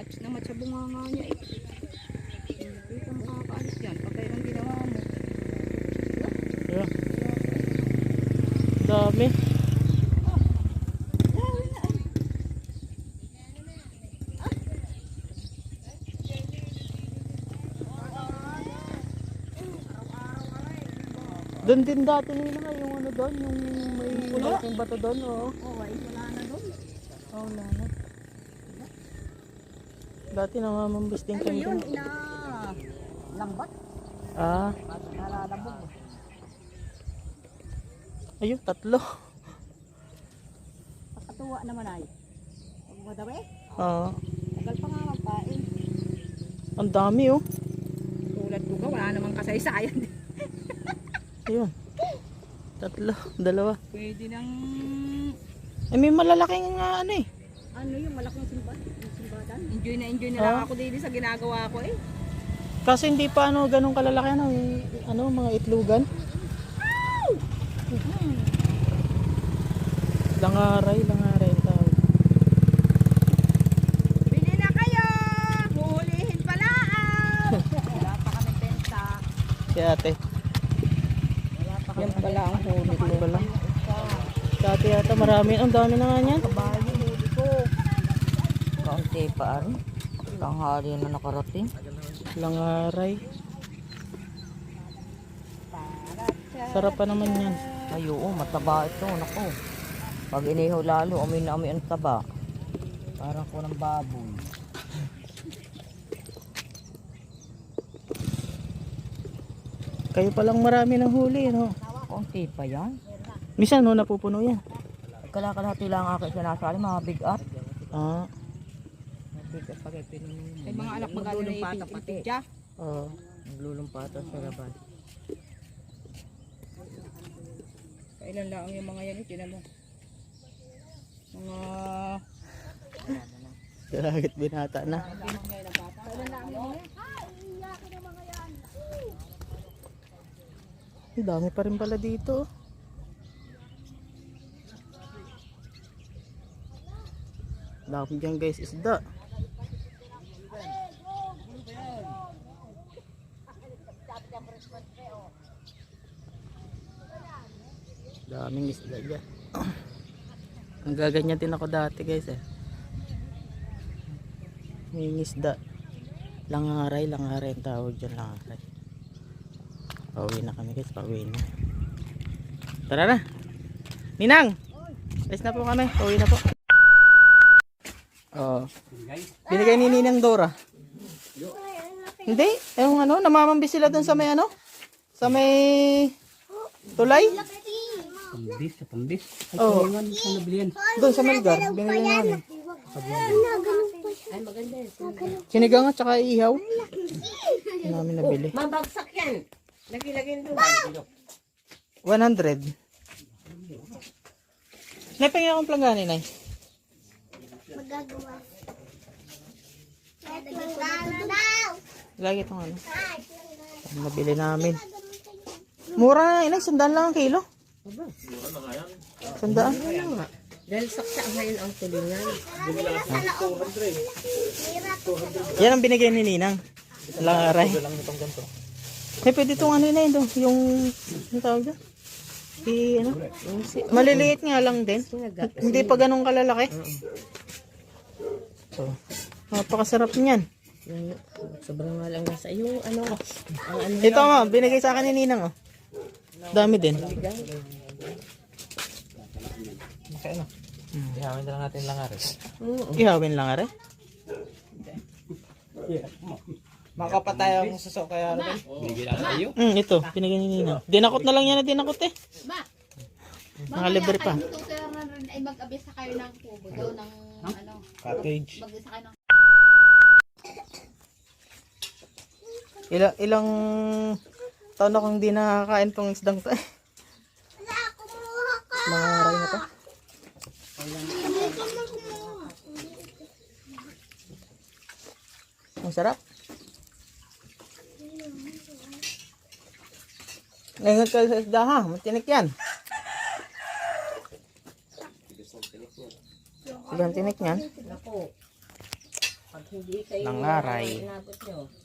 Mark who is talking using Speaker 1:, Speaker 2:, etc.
Speaker 1: Match na match sa bunganga niya eh. Hindi ka makakaalis yan. Pagkaya lang ginawa mo.
Speaker 2: Yeah. Dami. Doon din dati nila nga yung ano doon, yung may malaking bato doon, oo.
Speaker 1: Oo, ay wala na doon.
Speaker 2: Oo, wala na. Dati namamambis din
Speaker 1: Ano
Speaker 2: kami
Speaker 1: yun?
Speaker 2: doon.
Speaker 1: Lambat?
Speaker 2: Ah,
Speaker 1: Nalalabog.
Speaker 2: ayun, 3.
Speaker 1: Katuwa naman ay. Huwag mo daw eh.
Speaker 2: Oo.
Speaker 1: Tagal pa nga magpain.
Speaker 2: Ang dami oh.
Speaker 1: Tulad ko ka, wala namang kasaysayan.
Speaker 2: Ayun. 3, 2.
Speaker 1: Pwede nang...
Speaker 2: Eh, may malalaking ano eh.
Speaker 1: Ano yung malaking simbadan? Enjoy na lang ako dito sa ginagawa ko eh.
Speaker 2: Kasi hindi pa ano ganun kalalaki ano mga itlugan. Langaray ang tawag.
Speaker 1: Bili na kayo! Huhulihin pala! Wala pa kami benta.
Speaker 2: Si ate.
Speaker 1: Wala pa kami pala ang huli ko.
Speaker 2: Ito pala. Dati yata marami. Ang dami na nga niyan.
Speaker 1: Kabayo huli ko.
Speaker 3: Kaunti pa ari. Tanghali na nakarating.
Speaker 2: Langaray. Sarap pa naman yan.
Speaker 3: Ay oo, mataba ito. Nako. Pag inihaw lalo, amoy na amoy ang taba. Parang ko ng baboy.
Speaker 2: Kayo palang marami ng huli, no?
Speaker 3: Kaunti pa yan.
Speaker 2: Minsan, no, napupuno yan.
Speaker 3: Kalahati lang ako sinasali, mga bigat.
Speaker 2: Ah,
Speaker 3: Bigat pag pinunin.
Speaker 1: Ay mga anak magano na ipinpiti siya.
Speaker 2: oo.
Speaker 3: Naglulumpata sa labas.
Speaker 1: Kailan lang yung mga yan, tinan mo. Mga...
Speaker 2: Kalagit binata na.
Speaker 1: Kailan lang yung mga yan?
Speaker 2: Ang dami pa rin pala dito. Dami dyan guys, isda. Daming isda dyan. Ang gaganyan din ako dati guys eh. May isda. Langaray ang tawag dyan, langaray. Pauwi na kami guys, pauwi na. Tara na. Ninang! Alis na po kami, pauwi na po. Oh. Binigay ni Ninang Dora. Hindi, yung ano, namamambis sila dun sa may ano? Sa may tulay?
Speaker 4: Pambis.
Speaker 2: Oh.
Speaker 4: Ano nabilihan?
Speaker 2: Doon sa Melgar, binigay namin. Sinigang at saka ihaw. Hindi namin nabili.
Speaker 3: Mabagsak yan. Lagi-lagin doon.
Speaker 2: 100. Napingin akong planggani, Nay.
Speaker 5: Magagawa. Planggana daw.
Speaker 2: Lagi itong ano. Nabili namin. Mura na, Inay. 100 lang ang kilo. 100.
Speaker 3: Dahil saksa ngayon ang tulingan.
Speaker 2: Yan ang binigay ni Ninang. Langaray. Eh, pwede itong ano na yun. Yung tawag doon? Ano? Maliliit nga lang din. Hindi pa ganun kalalaki. So, napakasarap niyan.
Speaker 3: Sobrang nga lang nasa yung ano.
Speaker 2: Ito nga, binigay sa akin ni Ninang. Oh. Dami din.
Speaker 4: Okay, ano? Ihawin na lang natin langares.
Speaker 2: Ihawin lang are.
Speaker 4: Makapatay ang suso kaya ano? Binigyan na tayo.
Speaker 2: Ito, binigay ni Ninang. Dinakot na lang yan na dinakot eh. Nakalibre pa.
Speaker 5: Tutulan na rin ay mag-abisa kayo ng kubo daw ng ano.
Speaker 4: Cottage.
Speaker 5: Mag-isa kayo ng
Speaker 2: Ilang taon na kung hindi nakakain tong isdang to eh. Mga aray na to. Ang sarap. Ngayon ka sa isda ha, matinik yan. Sige ang tinik yan.
Speaker 3: Pag hindi kayo
Speaker 2: Nangaray.
Speaker 3: inabot nyo,